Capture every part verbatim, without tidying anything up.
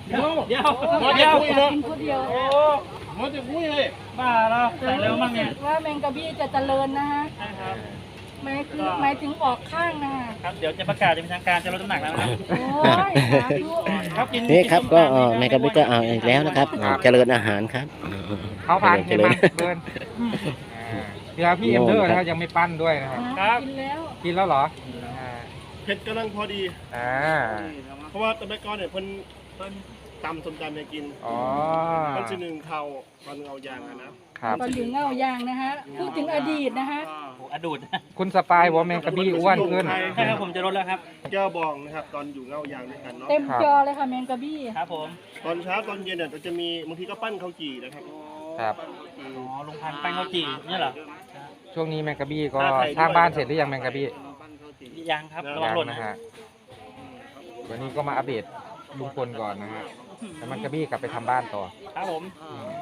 เดี๋ยวเดี๋ยวมาเดี๋จะยวคุยเนาะกินคนเดียวโอ้มาจะคุยเลยบ้าแล้วใส่เร็วมากเนี่ยว่าแมงกะบี้จะเจริญนะฮะใช่ครับหมายคือหมายถึงออกข้างนะฮะครับเดี๋ยวจะประกาศจะเป็นทางการจะลดน้ำหนักแล้วนะโอ้ยสาธุครับกินนี่ครับก็เอ่อแมงกะบี้ก็เอาอีกแล้วนะครับเจริญอาหารครับเขาพันเจเห็นริมัญนเดินเดี๋ยวพี่เอ็มเดอร์นะครับยังไม่ปั้นด้วยนะครับครับกินแล้วกินแล้วเหรออ่าเผ็ดกำลังพอดีอ่าเพราะว่าตะเบกอนเนี่ยเพิ่นเพิ่นตำส้มตำเนี่ยกินอ๋อมันจะหนึ่งเขาตอนเอายางอะนะครับตอนอยู่เงายางนะฮะพูดถึงอดีตนะฮะโอ้โหอดูดคุณสปายบอกว่าแมงกะบี้อ้วนขึ้นใช่ครับผมจะลดแล้วครับแก้วบองนะครับตอนอยู่เงายางด้วยกันเนาะเต็มจอเลยค่ะแมงกะบี้ครับผมตอนเช้าตอนเย็นเนี่ยจะมีบางทีก็ปั้นข้าวจี่นะครับครับอ๋อลุงพันธุ์แป้งข้าวจี่เนี่ยเหรอช่วงนี้แมงกะบี้ก็สร้างบ้านเสร็จหรือยังแมงกะบี้ยังครับระวังยังหล่นนะฮะวันนี้ก็มาอัปเดตลุงพลก่อนนะฮะแล้วแมงกะบี้กลับไปทำบ้านต่อครับผมอืม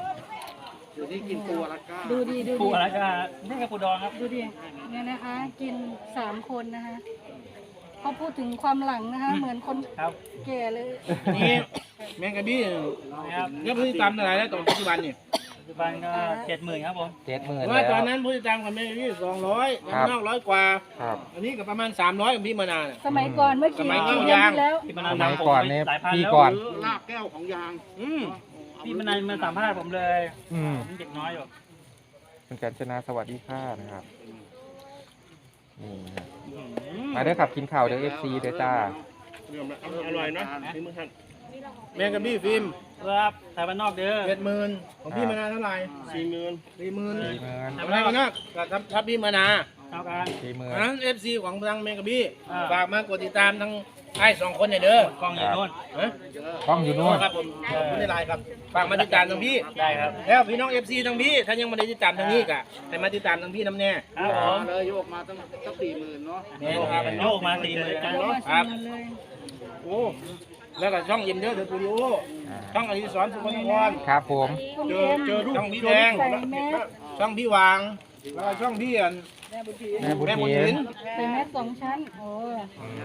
ดูดีดูปูดีอะไรกันนี่กับปูดองครับดูดิเนี่ยนะคะ กินสามคนนะคะเขาพูดถึงความหลังนะคะ เหมือนคนครับแก่เลยนี่แมงกะบี้นะครับเนี่ยผู้ติดตามเท่าไหร่แล้วตอนปัจจุบันเนี่ยปัจจุบันก็เจ็ดหมื่นครับผมเจ็ดหมื่นว่าแล้วตอนนั้นผู้ติดตามกับแมงกะบี้สองร้อยครับนอกร้อยกว่าครับอันนี้ก็ประมาณสามร้อยของพี่มานาวเนี่ยสมัยก่อนเมื่อกี่สมัยก่กี่อนเดือนยางที่แล้วพี่มานาวสมัยทำผมก่อนไปเนี่ยหลายพันพี่แล้วก่อนลากแก้วของยาง อืมพี่มานาวมาสัมภาษณ์ผมเลยอืมผมเด็กน้อยอยู่คุณกัญจนาสวัสดีค่ะนะครับนี่นะอืมาเด้อขับกินข้าวเด้อเอฟซีเด้อจ้าเรื่องอร่อยเนาะนี่มือท่านแมงกะบี้ฟิล์มครับไทยบ้านนอกเด้อเจ็ดหมื่นของพี่มานาวเท่าไหร่สี่หมื่นสี่หมื่นสี่หมื่นทำอะไรกันนะทับทับพี่มานาเท่ากันสี่หมื่นอันนั้นเอฟซีของทางแมงกะบี้อ่าฝากมากดติดตามทั้งไอ้สองคนเนี่ยเด้อกล้องอยู่โน่นฮะกล้องอยู่นู่นครับผมขอบคุณในไลน์ครับฝากมาติดตามทางพี่ได้ครับแล้วพี่น้องเอฟซีทางพี่ถ้ายังไม่ได้ติดตามทางนี้กะให้มาติดตามทางพี่น้ำแน่ครับผมเลยโยกมาตั้งตั้งสี่หมื่นเนาะนี่ครับโยกมาสี่หมื่นกันเดี๋ยวเนาะมาครับชิมกันเลยโอ้แล้วก็ช่องยิมเด้อเดอะสตูดิโอช่องอดิศรสุขนครครับผมคุณเจอเอ็มเจอรูปช่องพี่แดงใส่แมสช่องพี่วางแล้วก็ช่องพี่อันแม่บุญแม่บุญถิถินนใส่แมสสองชั้นโอ้ย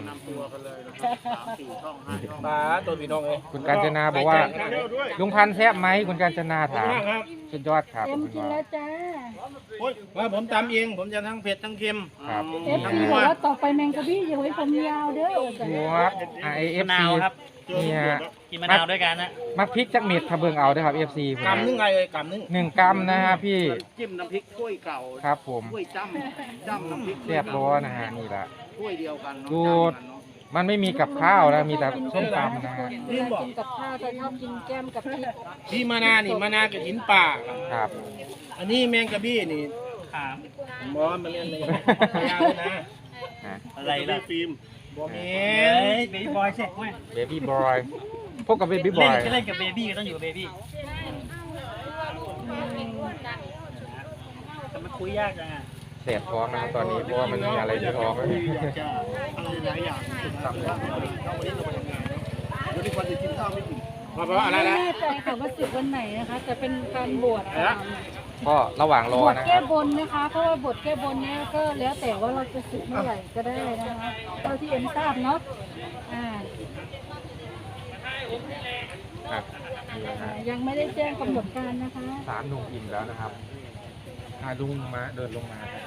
ปลาตัวพี่น้องเอ้ยคุณกัญจนาบอกว่า ลุงพันธุ์แซ่บไหมคุณกัญจนาถามครับสุดยอดครับเอ็มคุณกินว่าแล้วจ้าโอ้ยว่าผมตำเอง ผมจะทั้งเผ็ดทั้งเค็มครับเอฟซีบอกว่าต่อไปแมงกะบี้อย่าไว้ผมยาวเด้อดูครับไอเอฟมะนาซีวครับเนี่ยกินมะนาวด้วยกันนะมักพริกจักเม็ดทะเบิงเอาเด้อครับเอฟซีกำนึงไงเลยกำนึงหนึ่งกรัมนะฮะพี่จิ้มน้ำพริกถ้วยเก่าครับผมถ้วยจ้ำจ้ำน้ำพริกเรียบร้อนะฮะนี่แหละถ้วยเดียวกันเนาะดูจ้ำกันเนาะมันไม่มีกับข้าวนะมีแต่ส้มตำนะฮะเวลากินกับข้าวจะชอบกินแก้มกับพริกพี่มานานี่มานากับหินป่าครับอันนี้แมงกะบี้นี่ขามหมอมาเล่นเลยยาวนะอ่ะอะไรล่ะฟิล์มบอมเมเฮ้นยเบบี้บอยเช็คเว้ยเบบี้บอยพวกกับเบบี้บเล่อน ยก็เล่นกับเบบี้ก็ต้องอยู่กับเบบี้แต่มันคุยยากจังอ่ะเสพท้องนะครับตอนนี้เพราะว่ามันมีอะไรที่ท้องอะไรหลายอย่างทำได้วันนี้เราไปทำงานวันนี้วันจะกินข้าวไม่กินเพราะอะไรไม่นะแน่ใจค่ะว่าสึกวันไหนนะคะแต่เป็นการบวชอะไรนะก็ระหว่างรบอวชนะคแก้รับบนนะคะ เพราะว่าบวชแก้บนเนี้ยก็แล้วแต่ว่าเราจะสึกเมื่อไหร่ก็ได้นะคะเท่าที่เอ็มทราบเนาะอ่าครับนี่นะฮะยังไม่ได้แจ้งกำหนดการนะคะสามลุงอิ่มแล้วนะครับอ่าลุงมาเดินลงมาครับ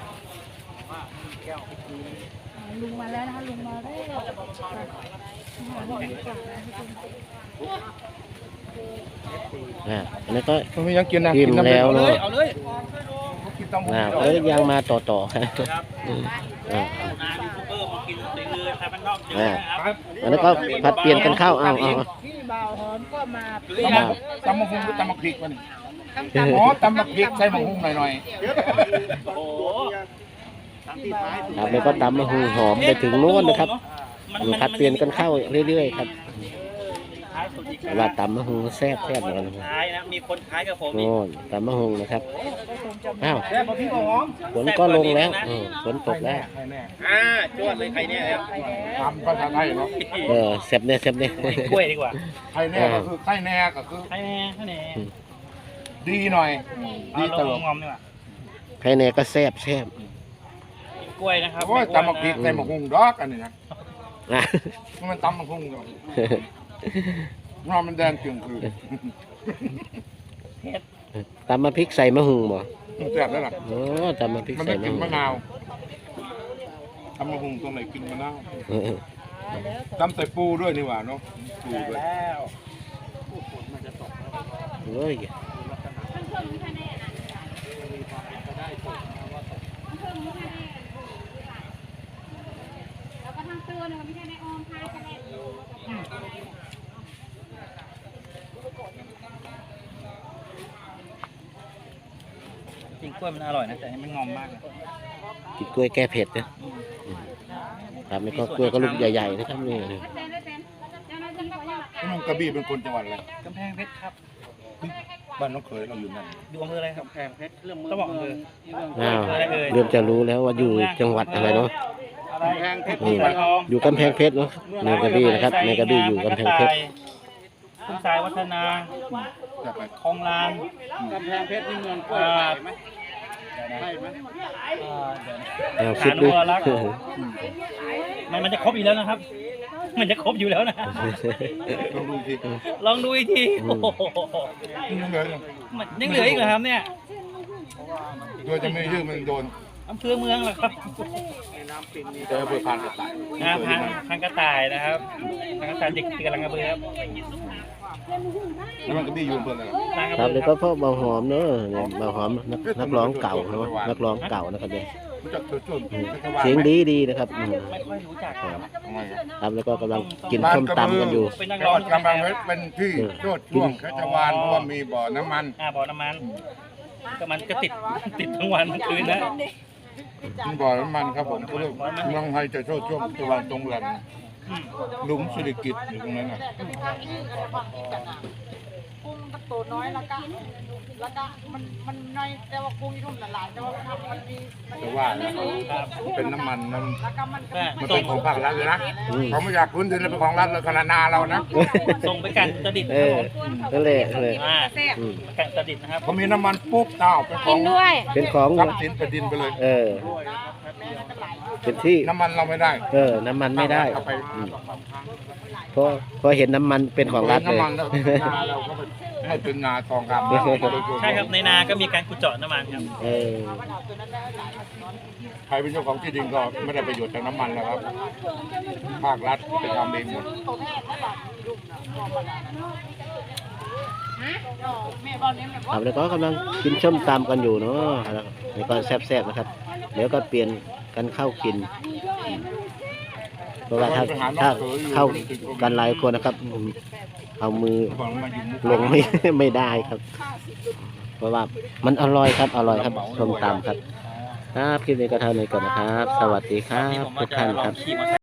อ่าลุงมาแล้วนะคะลุงมาแล้วหาลุงดีกว่านะทุกคนอ่าอันนี้ก็ผมยังกินนะอิ่มแล้วเอาเลเนาะยเอาเลยกินตำหูอ่าเอ้ยยังมาต่อต่อครับครับอืมอ่านายูทูบเบอร์มากินเลยเลยไทยบ้านนอกเจออ่านะครับอันนี้ก็ผัดเปลี่ยนกันเข้าเอาเอาพี่บ่าวหอมก็มาอ่าตำมะฮุงหรือตำมะพริกวะนี่ตำอ๋อตำมะพริกใส่มะฮุงหน่อยโอ้โหครับแล้วก็ตำมะฮุงหอมไปถึงโน้นนะครับผัดเปลี่ยนกันเข้าเรื่อยๆครับท้ายสุดอีกว่าตำมะฮุงแซ่บแซ่บเหมือนกันนะครับท้ายนะมีคนท้ายกับผมอีกโน่นตำมะฮุงนะครับอ้าวๆแซ่บมะพริกหอมฝนก็ลงแล้วอืมฝนตกแล้วอ่าจวดเลยไข่เนี่ยครับทำภาษาไทยเนาะเออแซ่บเนี่ยแซ่บเนี่ยกล้วยดีกว่าไทยแน่ก็คือไทยแน่ก็คือให้แน่ให้แน่ดีหน่อยเอาดีลเติงมงอมดีกว่าภายในก็แซ่บแซ่บกินกล้วยนะครับโอ้ยตำบักพริกใส่หมกหุงดอกอันนี้นะนะมันตำบักหุงเนาะนอนมันแดงจึงคือตำมาพริกใส่มะฮุงบ่แซ่บแล้วล่ะโอ้ตำมาพริกมันใส่ไม่มะกินฮุงมะนาวทำมะฮุงตรงไหนกินมะนาวเออทำใส่ปูด้วยนี่หว่าเนาะปูด้วยแล้วโอ้ยแล้วก็ทั้งตัวเนี่ยมันไม่ใช่ในออมพายกันแน่จริงกล้วยมันอร่อยนะแต่อันนี้มันงอมมากเลยกินกล้วยแก้เผ็ดนะอืมครับแล้วก็กล้วยก็ลูกใหญ่ๆนะครับนี่ไม่เป็นไม่เป็นเจ้าหน้าที่เขาอยากพี่น้องกระบี่เป็นคนจังหวัดอะไรกำแพงเพชรครับบ้านน้องเขยเราอยู่นั่นอยู่อำเภออะไรครับแพงเพชรเรื่องมือต้องบอกอำเภออ้าวอะไรเอ่ยเริ่มจะรู้แล้วว่าอยู่จังหวัดอะไรเนาะอะไรแพงเพชรอืมระยองอยู่กำแพงเพชรเนาะในกระบี่นะครับในกระบี่อยู่กำแพงเพชรคุณสายวัฒนาจะไปคลองลานกำแพงเพชรนี่เมืองกล้วยไข่ไหมใช่ไหมเอ่อเดี๋ยวนะเอาคิดดูฐานวรรักษ์มันมันจะครบอยู่แล้วนะครับ มันจะครบอยู่แล้วนะลองดูสิลองดูอีกทีโอ้โหยังเหลืออยู่มันยังเหลืออีกเหรอครับเนี่ยโดยจะไม่ยืดมันโดนอำเภอเมืองเหรอครับเจอเพื่อผ่านกระต่ายอ่าพันพันกระต่ายนะครับพันกระต่ายเด็กติดกำลังกระเบือครับแล้วมันกระบี่อยู่อำเพื่อนอะไรนางกระครับเบืแล้อวคก็รับพ่อเบาหอมเนอะเนี่ยเบาหอมนักนักร้องเก่าเนาะนักร้องเก่านะครับเนี่ยรู้จักตัวจุนเสียงดีดีนะครับอืมไม่ค่อยรู้จักครับทำไมอะครับแล้วก็กำลังกินส้มตำกันอยู่เป็นนักจังร้หองวัดกำแพงเพชรเป็นที่โชดช่วงแคชวานเพราะว่ามีบ่อน้ำมันอ่าบ่อน้ำมันก็มันก็ติดติดทั้งวันทั้งคืนนะมีบ่อน้ำมันครับผมก็เรียกเมืองไทยจะโชดช่วงแคชวานตรงแหลมอืมหลุมสิริกิตอยู่ตรงนั้นน่ะกุ้งมันตัวน้อยแล้วก็แล้วก็มันมันน้อยแต่ว่ากุ้งที่ทุ่มหลายๆแต่ว่ามันมันมีมันแต่ว่านะเป็นน้ำมันน้ำแล้วก็มันก็ก็มันส่เป็งนของภาครัฐเลยนะอืมเขาไม่อยากพื้นที่เลยเป็นของรัฐเลยขนาดนาเรานะส่งไปกันตะดิดเออนั่นแหละนั่นแหละอ่าอืมกันตะดิดนะครับเขามีน้ำมันปุ๊บเต้าเป็นของเป็นของทรัพย์สินแผ่นดินไปเลยเออเป็นที่น้ำมันเราไม่ได้เออน้ำมันไม่ได้เอาไปอืมเพราะเพราะเห็นน้ำมันเป็นของรัฐเลยน้ำมันแล้วนาเราก็ไปให้เป็นนาทองคำใช่ครับในนาก็มีการขุดเจาะน้ำมันครับเออใครเป็นเจ้าของที่ดินก็ไม่ได้ประโยชน์จากน้ำมันแล้วครับ ภาครัฐไปทำเองหมดแม่บอกเนี่ยแม่บอกครับแล้วก็กำลังกินส้มตำกันอยู่เนาะแล้วแล้วก็แซ่บๆนะครับ เดี๋ยวก็เปลี่ยนกันเข้ากิน เพราะว่าถ้าถ้าเข้ากันหลายคนนะครับอืมเอามือบอกมาอยู่มุกลงไม่ ไม่ได้ครับ เพราะว่ามันอร่อยครับ อร่อยครับส้มตำครับ ครับคลิปนี้ก็เท่านี้ก่อนนะครับ สวัสดีครันี่บผมทุว่าก จะท่านลอครังบขี่มอเตอร์ไซค์